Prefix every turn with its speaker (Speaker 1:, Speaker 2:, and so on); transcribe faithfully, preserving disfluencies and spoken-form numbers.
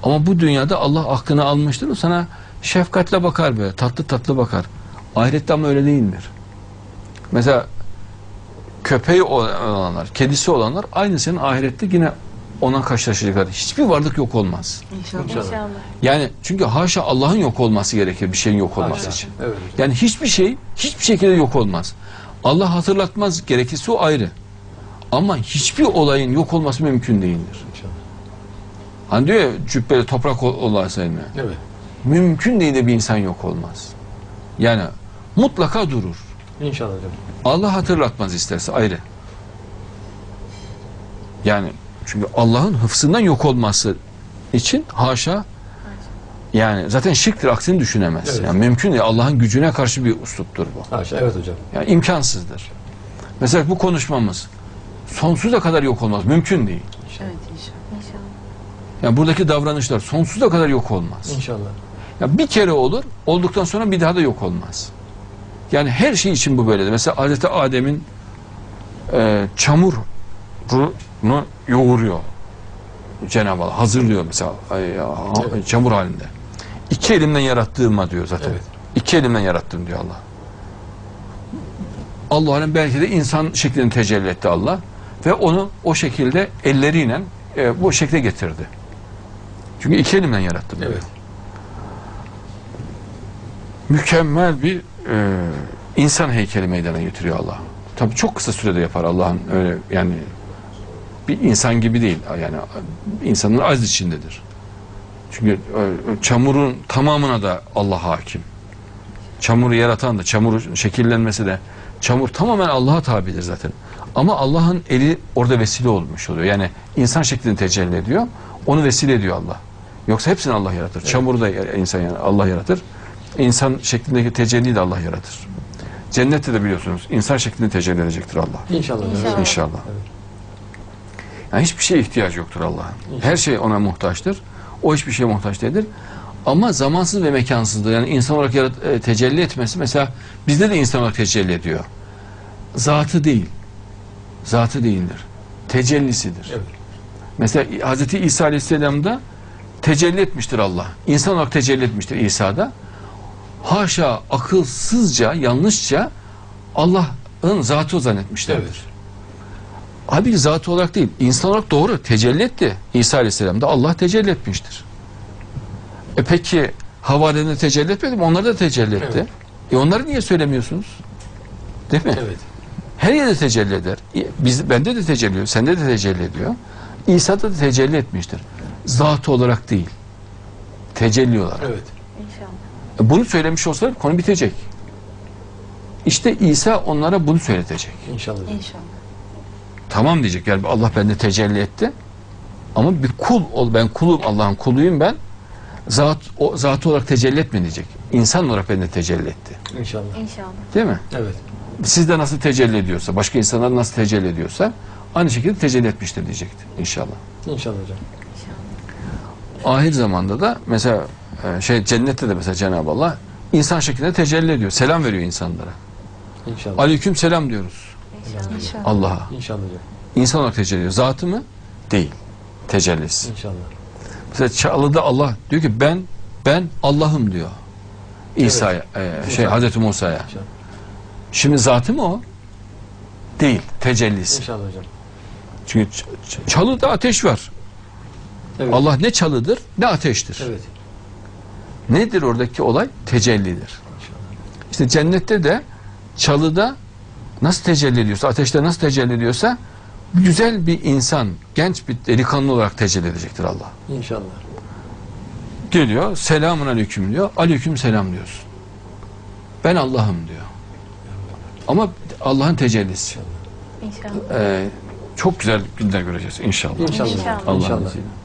Speaker 1: Ama bu dünyada Allah aklını almıştır. O sana şefkatle bakar böyle. Tatlı tatlı bakar. Ahirette ama öyle değildir. Mesela köpeği olanlar, kedisi olanlar aynı senin ahirette yine ona karşılaşacaklar. Hiçbir varlık yok olmaz.
Speaker 2: İnşallah.
Speaker 3: İnşallah.
Speaker 1: Yani çünkü haşa Allah'ın yok olması gerekir bir şeyin yok olması
Speaker 2: Haşa.
Speaker 1: için.
Speaker 2: Evet.
Speaker 1: Yani hiçbir şey hiçbir şekilde yok olmaz. Allah hatırlatmaz, gerekirse o ayrı. Ama hiçbir olayın yok olması mümkün değildir.
Speaker 2: İnşallah.
Speaker 1: Hani diyor ya cübbeli toprak olaysa elime.
Speaker 2: Evet.
Speaker 1: Mümkün değil de bir insan yok olmaz. Yani mutlaka durur.
Speaker 2: İnşallah hocam.
Speaker 1: Allah hatırlatmaz isterse ayrı. Yani çünkü Allah'ın hıfzından yok olması için haşa, yani zaten şirktir, aksini düşünemez.
Speaker 2: Evet.
Speaker 1: Yani mümkün değil. Allah'ın gücüne karşı bir usluptur bu.
Speaker 2: Haşa. Evet hocam.
Speaker 1: Yani imkansızdır. Mesela bu konuşmamız sonsuza kadar yok olmaz. Mümkün değil.
Speaker 3: Evet inşallah. İnşallah.
Speaker 1: Yani buradaki davranışlar sonsuza kadar yok olmaz.
Speaker 2: İnşallah.
Speaker 1: Ya bir kere olur, olduktan sonra bir daha da yok olmaz. Yani her şey için bu böyledir. Mesela Hazreti Adem'in e, çamurunu yoğuruyor Cenab-ı Allah. Hazırlıyor mesela ay, ya,
Speaker 2: Evet.
Speaker 1: çamur halinde. İki elimden yarattığıma diyor zaten.
Speaker 2: Evet.
Speaker 1: İki elimden yarattım diyor Allah. Allah'ın belki de insan şeklini tecelli etti Allah. Ve onu o şekilde elleriyle e, bu şekle getirdi. Çünkü iki elimden yarattım diyor.
Speaker 2: Evet.
Speaker 1: Mükemmel bir e, insan heykeli meydana getiriyor Allah. Tabii çok kısa sürede yapar Allah'ın, öyle yani bir insan gibi değil. Yani insanın az içindedir. Çünkü e, çamurun tamamına da Allah hakim. Çamuru yaratan da, çamurun şekillenmesi de, çamur tamamen Allah'a tabidir zaten. Ama Allah'ın eli orada vesile olmuş oluyor. Yani insan şeklini tecelli ediyor. Onu vesile ediyor Allah. Yoksa hepsini Allah yaratır. Evet. Çamuru da insan yani Allah yaratır. İnsan şeklindeki tecelliyi de Allah yaratır. Cennette de biliyorsunuz insan şeklinde tecelli edecektir Allah.
Speaker 2: İnşallah.
Speaker 3: İnşallah.
Speaker 1: İnşallah.
Speaker 2: Evet.
Speaker 1: Yani hiçbir şeye ihtiyacı yoktur Allah'ın. Her şey ona muhtaçtır. O hiçbir şeye muhtaç değildir. Ama zamansız ve mekansızdır. Yani insan olarak yarat, e, tecelli etmesi mesela bizde de insan olarak tecelli ediyor. Zatı değil. Zatı değildir. Tecellisidir.
Speaker 2: Evet.
Speaker 1: Mesela Hazreti İsa Aleyhisselam'da tecelli etmiştir Allah. İnsan olarak tecelli etmiştir İsa'da. Haşa akılsızca, yanlışça Allah'ın zatı zannetmişlerdir.
Speaker 2: Evet.
Speaker 1: Halbuki zatı olarak değil, insan olarak doğru tecelli etti. İsa Aleyhisselam'da Allah tecelli etmiştir. E peki havarilerine tecelli etmedi mi? Onlar da tecelli etti.
Speaker 2: Evet.
Speaker 1: E onları niye söylemiyorsunuz? Değil mi?
Speaker 2: Evet.
Speaker 1: Her yerde tecelli eder. Biz, bende de tecelli ediyor, sende de tecelli ediyor. İsa'da da tecelli etmiştir. Zatı olarak değil. Tecelli olarak.
Speaker 2: Evet.
Speaker 3: İnşallah.
Speaker 1: E bunu söylemiş olsalar konu bitecek. İşte İsa onlara bunu söyletecek.
Speaker 2: İnşallah.
Speaker 3: İnşallah.
Speaker 1: Tamam diyecek, yani Allah bende tecelli etti. Ama bir kul ol, ben kulum, Allah'ın kuluyum ben. Zat, o, zatı olarak tecelli etme diyecek. İnsan olarak bende tecelli etti.
Speaker 2: İnşallah.
Speaker 3: İnşallah.
Speaker 1: Değil mi?
Speaker 2: Evet.
Speaker 1: Sizde nasıl tecelli ediyorsa, başka insanlar nasıl tecelli ediyorsa aynı şekilde tecelli etmiştir diyecekti inşallah.
Speaker 2: İnşallah hocam.
Speaker 3: İnşallah.
Speaker 1: Ahir zamanda da mesela e, şey cennette de mesela Cenab-ı Allah insan şeklinde tecelli ediyor. Selam veriyor insanlara.
Speaker 2: İnşallah.
Speaker 1: Aleyküm selam diyoruz
Speaker 3: İnşallah. İnşallah.
Speaker 1: Allah'a.
Speaker 2: İnşallah hocam.
Speaker 1: İnsan olarak tecelli ediyor. Zatı mı? Değil. Tecellisi.
Speaker 2: İnşallah.
Speaker 1: Mesela Çağlı'da Allah diyor ki ben ben Allah'ım diyor. İsa'ya, e, şey
Speaker 2: Musa.
Speaker 1: Hazreti Musa'ya.
Speaker 2: İnşallah.
Speaker 1: Şimdi zatı mı o? Değil. Tecellisi.
Speaker 2: İnşallah hocam.
Speaker 1: Çünkü ç- ç- çalıda ateş var.
Speaker 2: Evet.
Speaker 1: Allah ne çalıdır ne ateştir.
Speaker 2: Evet.
Speaker 1: Nedir oradaki olay? Tecellidir.
Speaker 2: İnşallah.
Speaker 1: İşte cennette de çalıda nasıl tecelli ediyorsa, ateşte nasıl tecelli ediyorsa güzel bir insan, genç bir delikanlı olarak tecelli edecektir Allah.
Speaker 2: İnşallah.
Speaker 1: Geliyor, selamun aleyküm diyor, aleyküm selam diyorsun. Ben Allah'ım diyor. Ama Allah'ın tecellisi.
Speaker 3: İnşallah.
Speaker 1: Ee, çok güzel günler göreceğiz inşallah.
Speaker 2: İnşallah.
Speaker 3: İnşallah.
Speaker 1: Allah'ın
Speaker 2: İnşallah.
Speaker 1: izniyle.